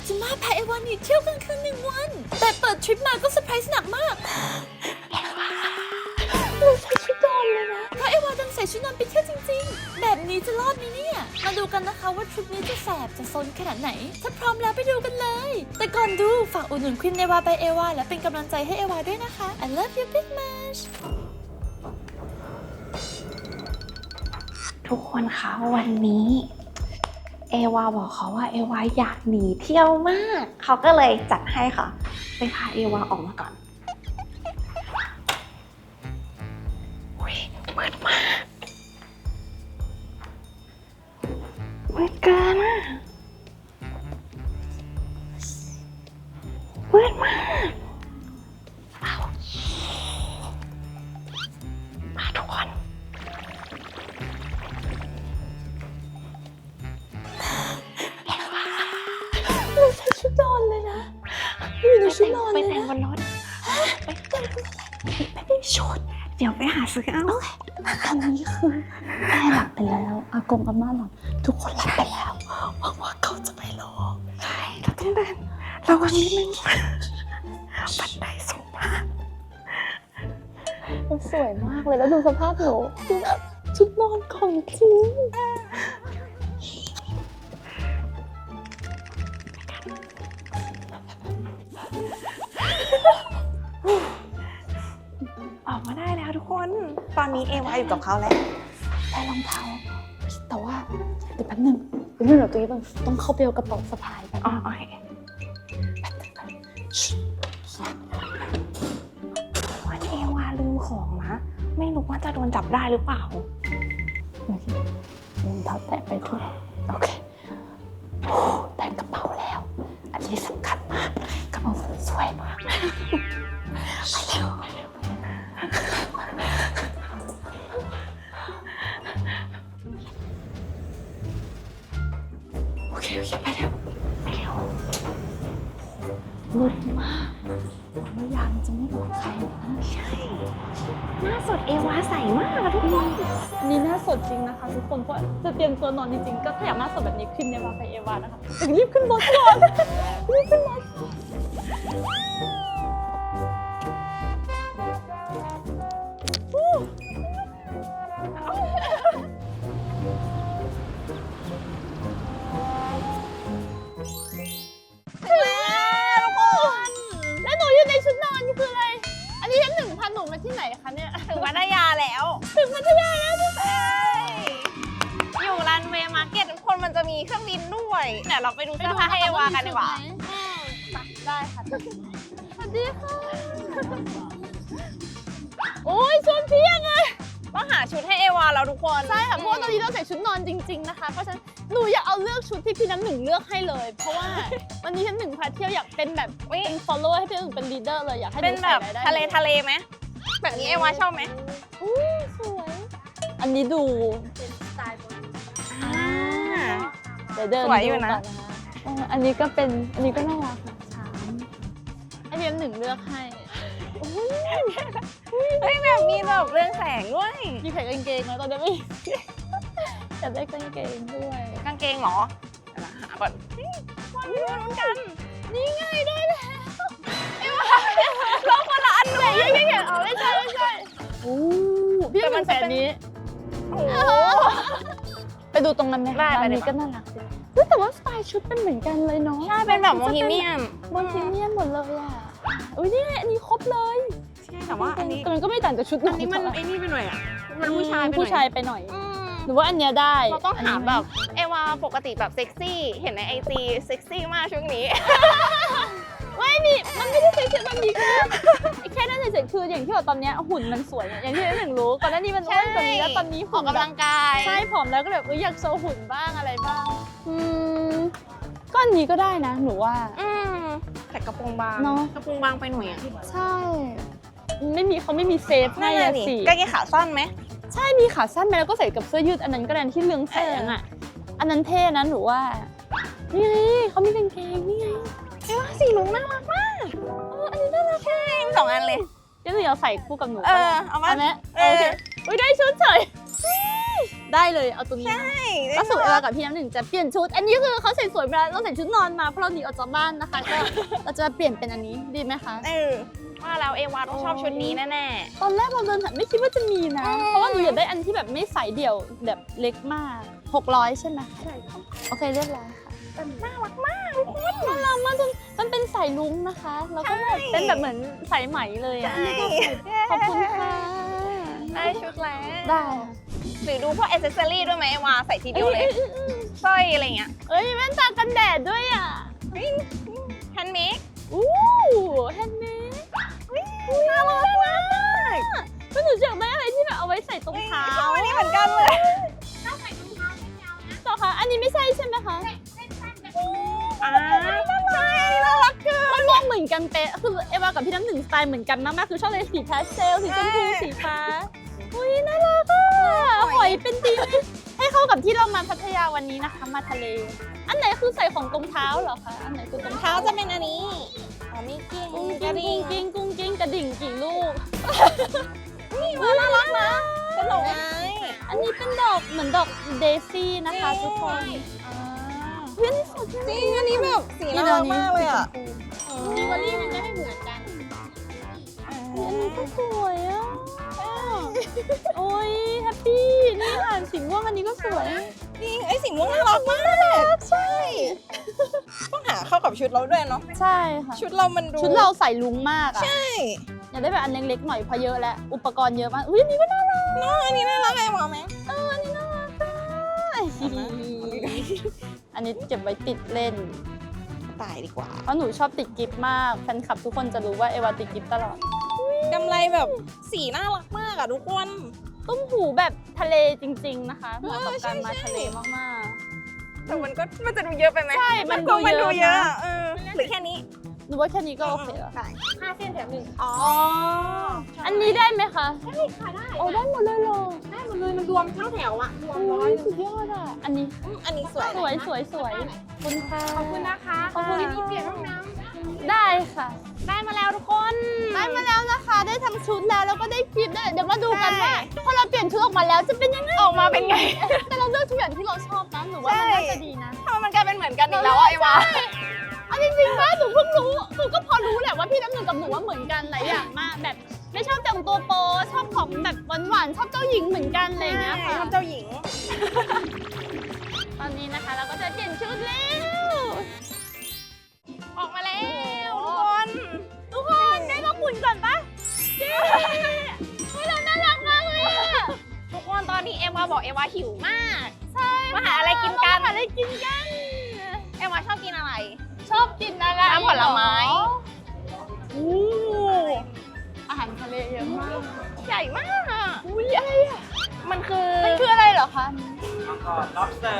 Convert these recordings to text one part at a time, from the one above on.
ากจะมาพาเอวานี่เที่ยวกันคืน1 วันแต่เปิดทริปมาก็เซอร์ไพรส์หนักมากเอวาเราใส่ชุดนอนเลยนะเพราะเอวาดันใส่ชุดนอนไปเที่ยวจริงๆแบบนี้จะรอดไหมเนี่ยมาดูกันนะคะว่าทริปนี้จะแสบจะซนขนาดไหนถ้าพร้อมแล้วไปดูกันเลยแต่ก่อนดูฝากอุดหนุนครีมเอวาไปเอวาและเป็นกำลังใจให้เอวาด้วยนะคะ I love you big much ทุกคนคะวันนี้เอวาบอกเขาว่าเอวาอยากหนีเที่ยวมากเขาก็เลยจัดให้ค่ะไปพาเอวาออกมาก่อนมืดมากมืดเกินอ่ะมืดมากมาทุกคนเราใส่ชุดนอนเลยนะอยู่ในชุดนอนไปเลยแต่งนะบนรถไปแต่งชุดเดี๋ยวไปหาซื้อเอาตอนนี้คือแม่หลับไปแล้วอากงอาม่าหลับทุกคนหลับไปแล้วหวังว่าเขาจะไม่รอใช่เราต้องเดินระวังนิดนึงบันไดสูงมากมันสวยมากเลยแล้วดูสภาพหนูคือแบบชุดนอนของจริงออกมาได้แล้วทุกคนตอนนี้เอวาอยู่กับเขาแล้วได้รองเท้าแต่ว่าเดี๋ยวแป๊บนึงเดี๋ยวตัวนี้ต้องเข้าไปเอากระเป๋าสะพายกันอ๋อโอเควันเอวาลืมของนะไม่รู้ว่าจะโดนจับได้หรือเปล่าโอเครองเท้าแตะไปทั่วโอเคได้กระเป๋าแล้วอันนี้สำคัญมากกระเป๋าสวยมากไปเร็วโอเคไปเร็วมืดมากแล้วยางจะไม่บอกใครนะใช่หน้าสดเอวาใสมากทุกคนนี่หน้าสดจริงนะคะทุกคนเพราะจะเตรียมตัวนอนจริงๆก็ถ้าอยากหน้าสดแบบนี้ขึ้นเอวาไปเอวานะคะรีบขึ้นรถก่อนรีบขึ้นรถแล้วหนูอยู่ในชุดนอนนี่คืออะไรอันนี้ชั้น1พาหนูมาที่ไหนคะเนี่ยถึงพัทยาแล้วถึงพัทยาแล้วใช่อยู่รันเวย์มาร์เก็ตทุกคนมันจะมีเครื่องบินด้วยเดี๋ยวเราไปดูเสื้อผ้าให้เอวากันดีกว่าได้ค่ะสวัสดีค่ะโอ้ยชวนเพียงเลยต้องหาชุดให้เอวาแล้วทุกคนใช่ค่ะเพราะว่าตอนนี้เราใส่ชุดนอนจริงๆนะคะเพราะฉะนั้นหนูอยากเอาเลือกชุดที่พี่น้ำหนึ่งเลือกให้เลยเพราะว่าวันนี้ฉันหนึ่งพาเที่ยวอยากเป็นแบบเป็น follow ให้พี่น้ำหนึ่งเป็น leader เลยอยากให้เป็นแบบทะเลไหมแบบนี้เอวาชอบไหมสวยอันนี้ดูสไตล์เดี๋ยวเดินสวยอยู่นะอันนี้ก็เป็นอันนี้ก็น่ารักค่ะช้างให้พี่น้ำหนึ่งเลือกให้เฮ้ยแบบมีแบบเรื่องแสงด้วยมีแผ่นกางเกงแล้วตอนนี้ไม่อยากได้กางเกงด้วยกางเกงเหรอหาก่อนมาดูลุ้นกันนี่ไงได้แล้วเอวาเราคนละอันเลยยังเอาไม่ใช่โอ้พี่มันแสนนี้ไปดูตรงนั้นไหมร้านนี้ก็น่ารักดีแต่ว่าสไตล์ชุดเป็นเหมือนกันเลยเนาะใช่เป็นแบบโมฮิเมียนหมดเลยอ่ะอุ้ยนี่ไงอันนี้ครบเลยใช่แต่ว่าอันนี้มันก็ไม่ต่างจากชุดอันนี้มันไอ้นี่ไปหน่อยอ่ะมันผู้ชายไปหน่อยหรือว่าอันเนี้ยได้เราต้องหาแบบเอวาปกติแบบเซ็กซี่เห็นในIGเซ็กซี่มากช่วงนี้ไม่มีมันไม่ได้เซ็กซี่มันมีแค่นั้นเฉยๆคืออย่างที่บอกตอนนี้หุ่นมันสวยอย่างที่หนึ่งรู้ก่อนหน้านี้มันอ้วนกว่านี้แล้วตอนนี้ออกกำลังกายใช่ผอมแล้วก็แบบอยากโชว์หุ่นบ้างอะไรบ้างก็อันนี้ก็ได้นะหนูว่าแต่กระโปรงบางเนาะกระโปรงบางไปหน่อยอ่ะใช่เขาไม่มีเซฟให้สิกางเกงขาสั้นไหมใช่มีขาสั้นไหมแล้วก็ใส่กับเสื้อยืดอันนั้นก็ได้ที่เรืองแสงอ่ะอันนั้นเท่นะหนูว่านี่ไงเขามีกางเกงนี่ไงเอ้ว่าสีลุงน่ารักมากอันนี้น่ารักใช่2 อันเลยเดี๋ยวหนูเอาใส่คู่กับหนูเอามาไหมโอเคอุ้ยได้ชุดเฉยได้เลยเอาตัวนี้นะใช่ก็สู่เอวากับพี่น้ำหนึ่งจะเปลี่ยนชุด อันนี้คือเขาใส่สวยไปแล้วเราใส่ชุดนอนมาเพราะเราหนีออกจากบ้านนะคะก็เราจะเปลี่ยนเป็นอันนี้ดีไหมคะว่าแล้วเอวาต้องชอบชุดนี้แน่ตอนแรกเราเดินไม่คิดว่าจะมีนะ เพราะว่าหนูอยากได้อันที่แบบไม่ใส่เดี่ยวแบบเล็กมาก600ใช่ไหมใช่โอเคเรียบร้อยค่ะๆน่ารักมากน่ารักมากจนมันเป็นสายลุ้งนะคะ แล้วก็แบบเป็นแบบเหมือนสายไหมเลยอ่ะใช่ขอบคุณค่ะได้ชุดแล้วได้หรือดูพวกอ c เซสซอรี่ด้วยไหมเอวาใส่ทีเดียวเลยสร้อยอะไรเงี้ยเอ้ยแว่นตากันแดดด้วยอ่ะแฮนด์เมดอู้แฮนด์เมดน่ารักมากก็หนูอยากได้อะไรที่แบบเอาไว้ใส่ตรงเท้าชอบอันนี้เหมือนกันเลยต่อคะอันนี้ไม่ใช่ใช่ไหมคะอ่าใช่น่ารักเกินมันมองเหมือนกันเป๊ะคือเอวากับพี่น้ำหนึ่งสไตล์เหมือนกันมากๆคือชอบเลยสีพาสเทลสีชมพูสีฟ้าอุ้ยน่ารักอ่ะหอยเป็นดีให้เข้ากับที่เรามาพัทยาวันนี้นะคะมาทะเล อันไหนคือใส่ของตรงเท้าเหรอคะอันไหนคือตรงเท้าจะเป็นอันนี้อ๋อมีกิ้งกุ้งกระกิ้งดิ่กุ้งงกิ้งกุ้งกิ้งกระดิ่งกี่ลูกนี่ว่าน่ารักนะกระหนกไม้อันนี้เป็นดอกเหมือนดอกเดซี่นะคะทุกคนเพื่อนที่สุดจริงอันนี้แบบสีน่ารักมากเลยอ่ะจิวเวลรี่มันจะไม่เหมือนกันอันนี้ก็สวยอ่ะโอ้ยแฮปปี้นี่ค่ะสีม่วงอันนี้ก็สวยจริงไอ้สีม่วงน่ารักมากใช่ต้องหาเข้ากับชุดเราด้วยเนาะใช่ค่ะชุดเรามันดูชุดเราใส่ลุงมากอ่ะใช่อยากได้แบบอันเล็กๆหน่อยเพราะเยอะแล้วอุปกรณ์เยอะมากอุ้ยอันนี้ก็น่ารักเนาะอันนี้น่ารักไอ้หมอไหมอันนี้น่ารักอ่ะอันนี้เก็บไว้ติดเล่นตายดีกว่าเพราะหนูชอบติดกิฟต์มากแฟนคลับทุกคนจะรู้ว่าเอวาติดกิฟต์ตลอดกำไรแบบสีน่ารักมากอ่ะทุกคนตุ้มหูแบบทะเลจริงๆนะคะเหมาะกับการมาใช่ทะเลมากแต่มันจะดูเยอะไปไหมใช่มันก็ดูเยอะนะอะหรือแค่นี้ๆหนูว่าแค่นี้ก็โอเคแล้วได้ 5 เส้นแถม 1 อ๋ออันนี้ได้ไหมคะได้ค่ะได้โอ้ได้หมดเลยเหรอได้หมดเลยมันรวมทั้งแถวอะรวมโอ้ร้อย ยสุดยอดอ่ะอันนี้อันนี้สวยสวยสวยสวยขอบคุณค่ะขอบคุณนะคะขอบคุณทีนี้เปลี่ยนห้องน้ได้ค่ะได้มาแล้วทุกคนได้มาแล้วนะคะได้ทั้งชุดแล้วก็ได้คลิปด้วยเดี๋ยวมาดูกันว่าพอเราเปลี่ยนชุดออกมาแล้วจะเป็นยังไงออกมาเป็นไงแต่เราเลือกทุกอย่างที่เราชอบนะหนูว่ามันน่าจะดีนะทำไมมันกลายเป็นเหมือนกันอีกแล้วอะไอ้วะเอาจริงๆว่าหนูเพิ่งรู้หนูก็พอรู้แหละว่าพี่น้ำหนึ่งกับหนูว่าเหมือนกันหลายอย่างมากแบบไม่ชอบแต่งตัวโป๊ชอบของแบบหวานๆชอบเจ้าหญิงเหมือนกันอะไรอย่างเงี้ยค่ะเจ้าหญิงตอนนี้นะคะเราก็จะเปลี่ยนชุดแล้วออกมาแล้วทุกคนได้มาขุนก่อนปะเย้เฮ้ยเราน่ารักมากเลยอะทุกคนตอนนี้เอวาบอกเอวาหิวมากใช่มาหาอะไรกินกันมาหาอะไรกินกันเอวาชอบกินอะไรชอบกินอะไรน้ำผลไม้อู้อาหารทะเลเยอะมากใหญ่มากอะอุ้ยอะไรอ่ะมันคือมันคืออะไรเหรอคะ lobster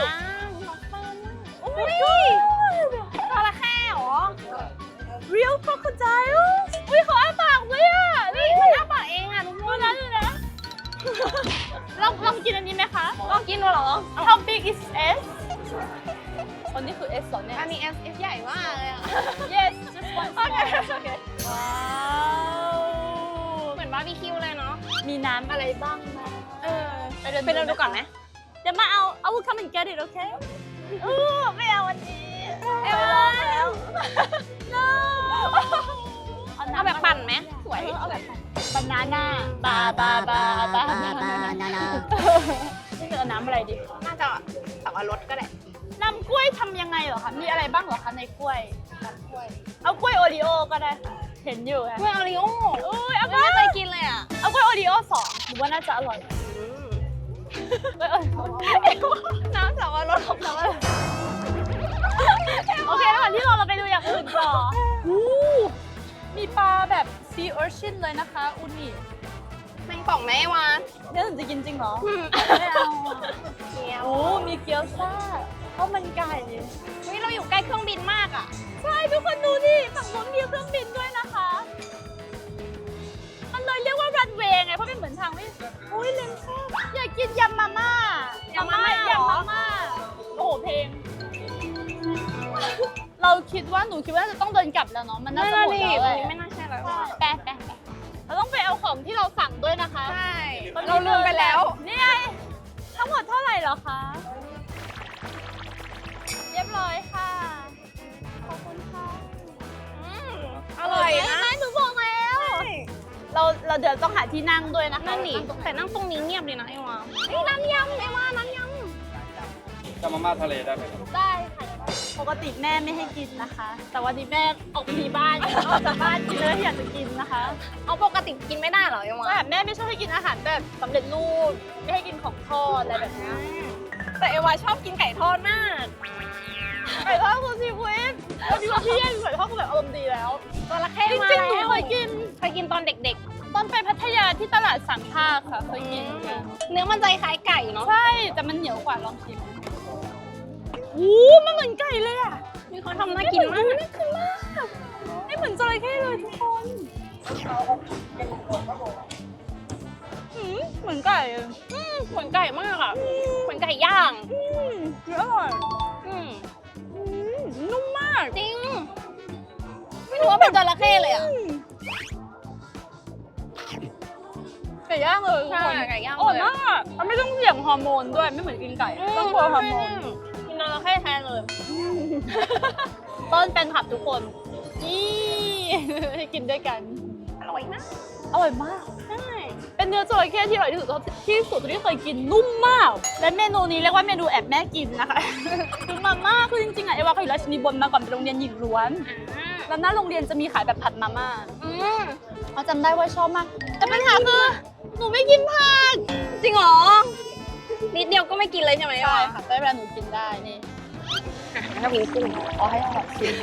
อุ้ยจระเข้เหรอ real crocodile อุ้ยเขาอ้าปากด้วยอ่ะนี่มันอ้าปากเองอะทุกคนดูนะลองกินอันนี้ไหมคะลองกินดูเหรอ How big is S คนนี้คือ S เหรอเนี่ยอันนี้ S ใหญ่มากเลยอะ Yes just one small โอเคว้าวเหมือนบาร์บีคิวเลยเนาะมีน้ำอะไรบ้างนะไปเดินดูก่อนไหมเดี๋ยวมาเอา I will come and get it okay ไม่เอาวันนี้เอวาแล้ว no เอาแบบปั่นไหมสวยเอาแบบบานาน่าบานี่คือเอาน้ำอะไรดีน่าจะสับปะรดก็ได้น้ำกล้วยทำยังไงเหรอคะ มีอะไรบ้างเหรอคะในกล้วย เอากล้วยโอริโอก็ได้ค่ะเห็นอยู่ค่ะกล้วยโอริโอ้อุ้ยเอาไม่เคยกินเลยอ่ะเอากล้วยโอริโอ2หรือว่าน่าจะอร่อยกล้วยโอริโอน้ำสับปะรดของเราโอเคระหว่างที่เราไปดูอย่างอื่นต่อมีปลาแบบ sea urchin เลยนะคะอุนิแมงป่องไหมวะเนี่ยหนูจะกินจริงเหรอ ไม่เอาโอ้มีเกี๊ยวซ่าข้าวมันไก่เฮ้ยเราอยู่ใกล้เครื่องบินมากอ่ะใช่ทุกคนดูดิฝั่งนู้นมีเครื่องบินด้วยนะคะมันเลยเรียกว่ารันเวย์ไงเพราะเป็นเหมือนทางไม่อุ้ยเลนซ่าอยากกินยำมาม่ายำมาม่าเหรอยำมาม่าโอ้โหเพลง เราคิดว่าหนูคิดว่าจะต้องเดินกลับแล้วเนาะมันน่าจะหมดแล้วเลยไม่น่าใช่แล้วแปะเราต้องไปเอาของที่เราสั่งด้วยนะคะใช่ เราลืมไปแล้วนี่ไงข้างงหมดเท่าไหร่เหรอคะ เรียบร้อยค่ะ ขอบคุณค่ะอร่อยนะหนูบอกแล้ว เราเดี๋ยวต้องหาที่นั่งด้วยนะคะนั่นดิแต่นั่งตรงนี้เงียบเลยนะไอ้วานี่น้ำยำไอ้วาน้ำยจะมาม่าทะเลได้ไหมครับได้ค่ะ ปกติแม่ไม่ให้กินนะคะ แต่วันนี้แม่ออกไปที่บ้านออกจากบ้านกินเลยที่อยากจะกินนะคะำเอาปกติกินไม่ได้เหรอไอ้วาแต่แม่ไม่ชอบให้กินอาหารแบบสำเร็จรูปไม่ให้กินของทอดอะไรแบบเนี้ยแต่เอวาชอบกินไก่ทอดมากไก่ทอดคือชีวิตวันนี้วันที่แย่ไก่ทอดคือแบบอารมณ์ดีแล้วจระเข้จมาริงๆหนูแล้วเคยกินเคยกินตอนเด็กตอนไปพัทยาที่ตลาดสังขะค่ะเคยกินๆ เนื้อมันใจคล้ายไก่เนาะใช่ แต่มันเหนียวกว่าลองชิมมันเหมือนไก่เลยอ่ะนี่เขาทำน่ากินมากไม่เหมือนจระเข้เลยทุกคนเหมือนไก่อะเหมือนไก่มากอ่ะเหมือนไก่ย่างอร่อยอืมนุ่มมากจริง ไม่รู้ว่าเป็นจระเข้เลยอ่ะไก่ย่างเลยทุกใช่คนไก่ย่างอร่อยเลยมากมันไม่ต้องเสี่ยงฮอร์โมนด้วยไม่เหมือนกินไก่ต้องกลัวฮอร์โมนกินจระเข้แทนเลยต้นแฟนคลับทุกคนนี่ ให้กินด้วยกันอร่อยมากอร่อยมากใช่เป็นเนื้อจระเข้ที่อร่อยที่สุดที่เคยกินนุ่มมาก และเมนูนี้เรียกว่าเมนูแอบแม่กินนะคะ คือมาม่าคือจริงๆอะเอวาเขาอยู่ราชินีบนมาก่อนเป็นโรงเรียนหญิงล้วน แล้วหน้าโรงเรียนจะมีขายแบบผัดมาม่าอืมเขาจำได้ว่าชอบมาก แต่ปัญหาคือหนูไม่กินผักจริงเหรอ นิดเดียวก็ไม่กินเลยใช่ไหมใช่ค่ะแต่เวลาหนูกินได้นี่ถ้าพิงกุ้งเอาให้อร่อยสิ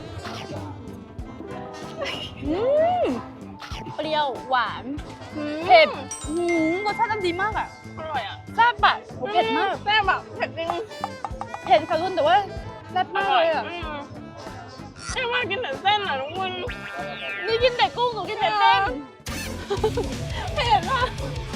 เปรี้ยวหวานเผ็ดรสชาติอันดีมากอ่ะอร่อยอ่ะแซ่บอะเผ็ดมากแซ่บแบบเผ็ดจริงเผ็ดค่ะรุ่นแต่ว่าแซ่บมากเลยอ่ะไอ้ว่ากินแต่เส้นอ่ะทุกคนนี่กินแต่กุ้งหนูกินแต่เส้นเผ็ดมาก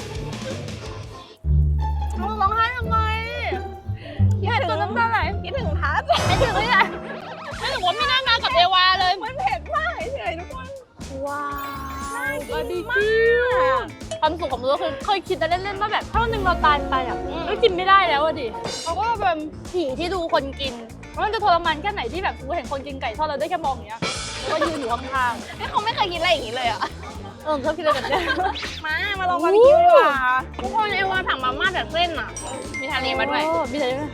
มึงร้องไห้ทำไมเผ็ดจนน้ำตาไหลคิดถึงทัศน์ไม่ถึงเลยอะไม่ถึงว่าไม่น่ามากับเอวาเลยมันเผ็ดมากเฉยๆทุกคนว้าวบาร์บีคิวความสุขของมึงก็คือเคยคิดแต่เล่นๆว่าแบบถ้าวันหนึงเราตายไปอ่ะก็กินไม่ได้แล้วอะดิเขาก็เป็นผีที่ดูคนกินว่ามันจะทรมานแค่ไหนที่แบบกูเห็นคนกินไก่ทอดเราได้แค่มองอย่างเงี้ยแล้วก็ยืนอยู่ข้างไอ้เขาไม่เคยกินอะไรอย่างนี้เลยอ่ะๆชอบกินอะไรแบบเนี้ยมาลองบาร์บีคิวดีกว่าทุกคนไอ้ว่าถังมาม่าแบบเส้นอ่ะ มีทะเลมาด้วยโอ้มีทะเลด้วย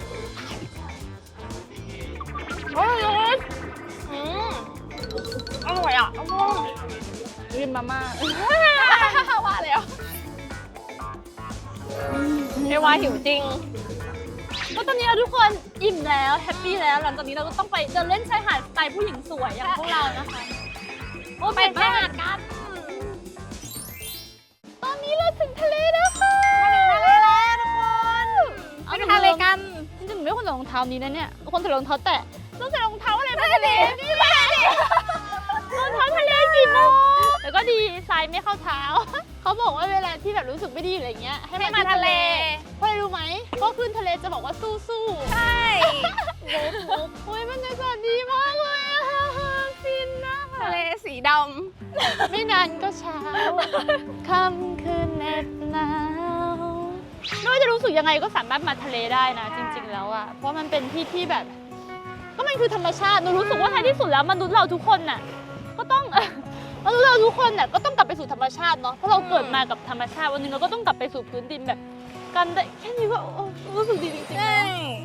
โอ้ยอืมอร่อยอ่ะกินมาม่าว่าแล้วไอ้ว่าหิวจริงก็ตอนนี้เราทุกคนอิ่มแล้วแฮปปี้แล้วหลังจากนี้เราก็ต้องไปเดินเล่นชายหาดสไตล์ผู้หญิงสวยอย่างพวกเรานะคะโอ้ไปเผ็ดชายมากหาดกันตอนนี้เราถึงทะเลแล้วค่ะทะเลแล้วทุกคนเอาไปทะเลกันจริงๆหนูไม่ควรใส่รองเท้านี้นะเนี่ยควรใส่รองเท้าแตะต้องใส่รองเท้าอะไรไปทะเลนี่แหละรองเท้าทะเลกี่โมงแล้วก็ดีทรายไม่เข้าเท้า เขาบอกว่าเวลาที่แบบรู้สึกไม่ดีอะไรเงี้ยให้ให้มามาทะเลเพราะอะไรรู้ไหมก็ขึ้นทะเลจะบอกว่าสู้ๆใช่โอ้ยบรรยากาศดีมากเลยอะฟินนะทะเลสีดไม่นานก็เช้าค่ำคืนเหน็บหนาวไม่ว่าจะรู้สึกยังไงก็สามารถมาทะเลได้นะ จริง ๆ แล้วอะเพราะมันเป็นที่ที่แบบ ก็มันคือธรรมชาติหนูรู้สึกว่าท้ายที่สุดแล้วมนุษย์เราทุกคนน่ะก็ต้อง มนุษย์เราทุกคนน่ะก็ต้องกลับไปสู่ธรรมชาติเนาะเพราะเราเกิดมากับธรรมชาติวันหนึงเราก็ต้องกลับไปสู่พื้นดินแบบกันได้แค่นี้ก็โอ้รู้สึกดีจริงๆำนะ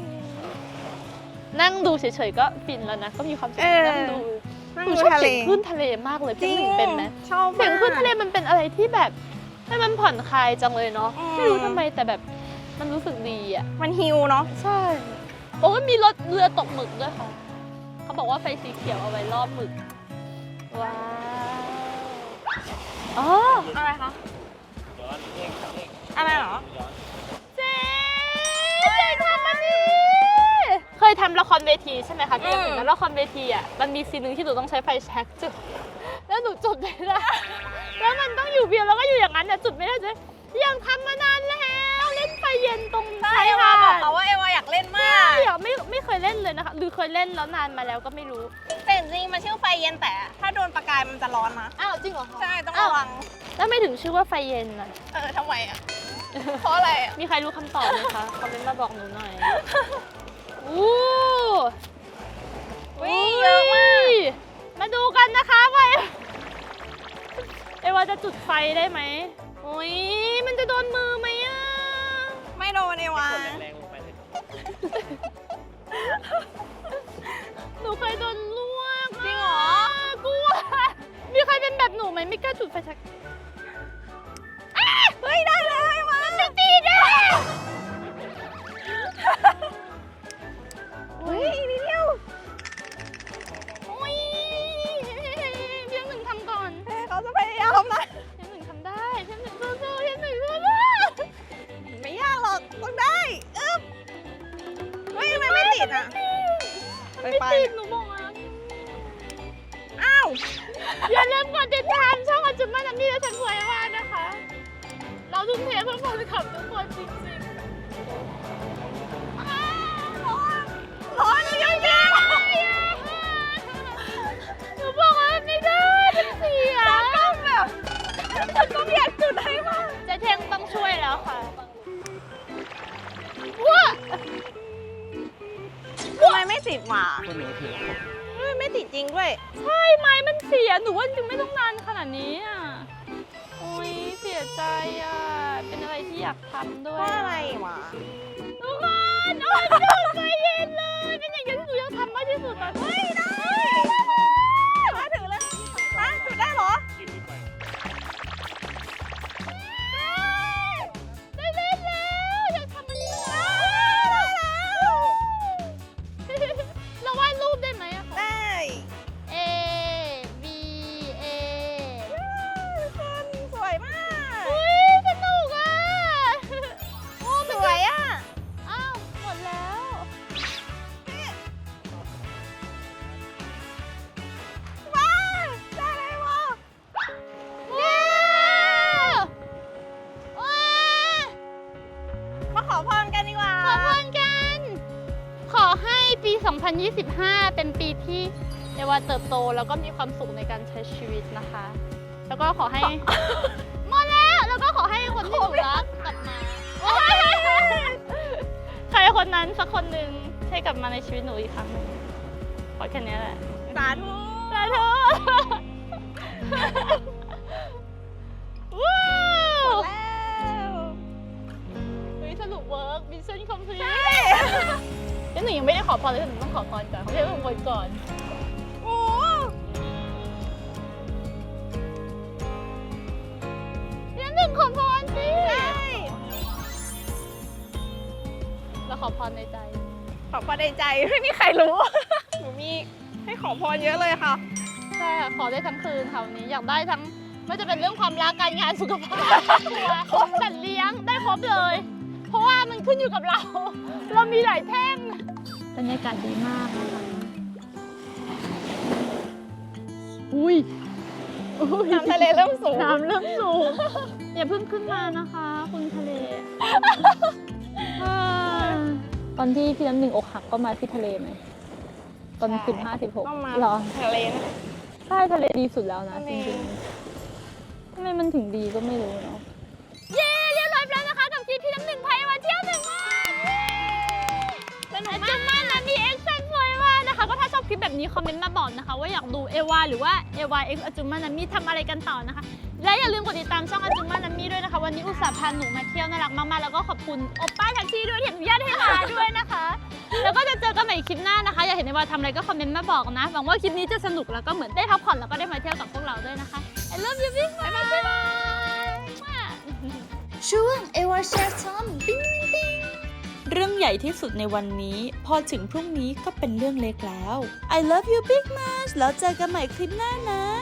นั่งดูเฉยๆก็ฟินแล้วนะก็มีความสุขนั่งดู หนูชอบเสียงคลื่นทะเลมากเลยพี่หนึ่งเป็นไหมชอบเสียงคลื่นทะเลมันเป็นอะไรที่แบบให้มันผ่อนคลายจังเลยเนาะอืมไม่รู้ทำไมแต่แบบมันรู้สึกดีอ่ะมันฮิวเนาะใช่โอ้ยมีรถเรือตกหมึกด้วยค่ะเขาบอกว่าไฟสีเขียวเอาไว้รอบหมึกว้าวอ๋ออะไรคะ อะไรเหรอเจ๊ทำมันดีเคยทำละครเวทีใช่ไหมคะพี่ถึงแล้วละครเวทีอ่ะมันมีซีนหนึ่งที่หนูต้องใช้ไฟแช็กจุดแล้วหนูจุดไม่ได้แล้วมันต้องอยู่เพียงแล้วก็อยู่อย่างนั้นเนี่ยจุดไม่ได้เจ๊ยังทำมานานแล้วเล่นไฟเย็นตรงใช่ชายค่ะหาบอกดเขาว่าเอวาอยากเล่นมาใช่กอะไม่เคยเล่นเลยนะคะหรือเคยเล่นแล้วนานมาแล้วก็ไม่รู้แต่จริงๆมันชื่อไฟเย็นแต่ถ้าโดนประกายมันจะร้อนนะอ้าวจริงเหรอคะใช่ ต้องระวังแล้วไม่ถึงชื่อว่าไฟเย็นอ่ะทำไมอ่ะเพราะอะไรอ่ะมีใครรู้คำตอบไหมคะ คอมเมนต์มาบอกหนูหน่อย อู้วิเยอะมากมาดูกันนะคะว่าเอวาจะจุดไฟได้ไหมโอ้ยมันจะโดนมือไหมอ่ะไม่โดนเอวาแรงลงไปเลยหนูเคยโดนลวกจริงเหรอกลัว มีใครเป็นแบบหนูไหมไม่กล้าจุดไฟชักเฮ้ย ได้เลยเอวาจะตีได้เฮ้ยอีกนิดเดียวโอ้ยพี่หนึ่งทำก่อนเฮ้ยเขาจะพยายามนะพี่หนึ่งทำได้พี่หนึ่งสู้ๆพี่หนึ่งสู้ไม่ยากหรอกต้องได้อึ๊บเฮ้ยทำไมไม่ติดอ่ะๆไปไม่ไปติดหนูบอกอ่ะอ้าวอย่าลืมกดติดตามช่องอาจุมมานามี่และฉันสวยมากนะคะ เราทุ่มเทเพื่อแฟนคลับทุกคนจริงๆอ้าวร้อนเยอะแยะหนูบอกว่าไม่ได้มันเสียต้องอยากจุดให้มากเจ๊เทงต้องช่วยแล้วค่ะว้าทำไมไม่ติดหว่าคนหนูถือเฮ้ยไม่ติดจริงด้วยใช่ไม้มันเสียหนูว่าจริงไม่ต้องนานขนาดนี้อ่ะโอ้ยเสียใจอ่ะเป็นอะไรที่อยากทำด้วยเพราะอะไรวะทุกคนโอ้ยพี่หนูใจเย็นเลยเป็นอย่างเดียวที่หนูอยากทำมากที่สุดตอนนี้มาถึงเลยฮะจุดได้เหรอได้เล่นแล้วอยากทำมันนี้เราวาดรูปได้ไหมอะคะได้ A B A คนสวยมากเฮ้ยสนุกอ่ะโอ้สวยอ่ะอ้าวหมดแล้วว้าวได้เลยวะว้าวว้าวมาขอพรกันดีกว่าขอพรกัน ขอให้ปี 2025 เป็นปีที่เอวาเติบโตแล้วก็มีความสุขในการใช้ชีวิตนะคะ แล้วก็ขอให้ หมดแล้วก็ขอให้คนที่หนูรักกลับมาโอ๊ยใครคนนั้นสักคนหนึ่งให้กลับมาในชีวิตหนูอีกครั้งหนึ่งขอแค่นี้แหละสาธุสาธุว้าวแล้วเฮ้ยสรุปเวิร์กมิชชั่นคอมพลีทแล้วหนูยังไม่ได้ขอพรเลยหนูต้องขอพรก่อนเขาเรียกว่าขอพรก่อนโอ้ยังหนึ่งขอพรสิใช่เราขอพรในใจขอพรในใจไม่มีใครรู้ หนูมีให้ขอพรเยอะเลยค่ะใช่ค่ะขอได้ทั้งคืนค่ะวันนี้อยากได้ทั้งไม่จะเป็นเรื่องความรักการงานสุขภาพสัตว์เลี้ยงได้ครบเลย เพราะว่ามันขึ้นอยู่กับเรา เรามีหลายแท่งบรรยากาศดีมากนะคะอุ้ยน้ำทะเลเริ่มสูงน้ำเริ่มสูงอย่าเพิ่งขึ้นมานะคะ คุณทะเลตอนที่พี่น้ำหนึ่งอกหักก็มาที่ทะเลไหมตอน15-16 ต้องมาเหรอทะเลนะใช่ทะเลดีสุดแล้วนะทะจเลริงๆทำไมมันถึงดีก็ไม่รู้เนาะเย้เรียบร้อยแล้วนะคะกับคลิปพี่น้ำหนึ่งพามาเที่ยวหนึ่งวันสนุกมากมากนะมีแอคชั่นสวยมากนะคะ ก็ถ้าชอบคลิปแบบนี้คอมเมนต์มาบอกนะคะ ว่าอยากดูเอวาหรือว่าเอวาเอ็กซ์อาจุมมานามิทำอะไรกันต่อนะคะ และอย่าลืมกดติดตามช่องอาจุมมานามิด้วยนะคะวันนี้อุตส่าห์พาหนูมาเที่ยวน่ารักมากๆแล้วก็ขอบคุณโอป้าแท็กซี่ด้วยที่อนุญาตให้มาด้วยนะคะ แล้วก็จะเจอกันใหม่คลิปหน้านะคะ อยากเห็นเอวาทำอะไรก็คอมเมนต์มาบอกนะหวังว่าคลิปนี้จะสนุกแล้วก็เหมือนได้พักผ่อนแล้วก็ได้มาเที่ยวกับพวกเราด้วยนะคะ I love you big บ๊ายบายช่วงเอวาแชร์ทอมปิ้งปิ้งเรื่องใหญ่ที่สุดในวันนี้พอถึงพรุ่งนี้ก็เป็นเรื่องเล็กแล้ว I love you big much แล้วเจอกันใหม่คลิปหน้านะ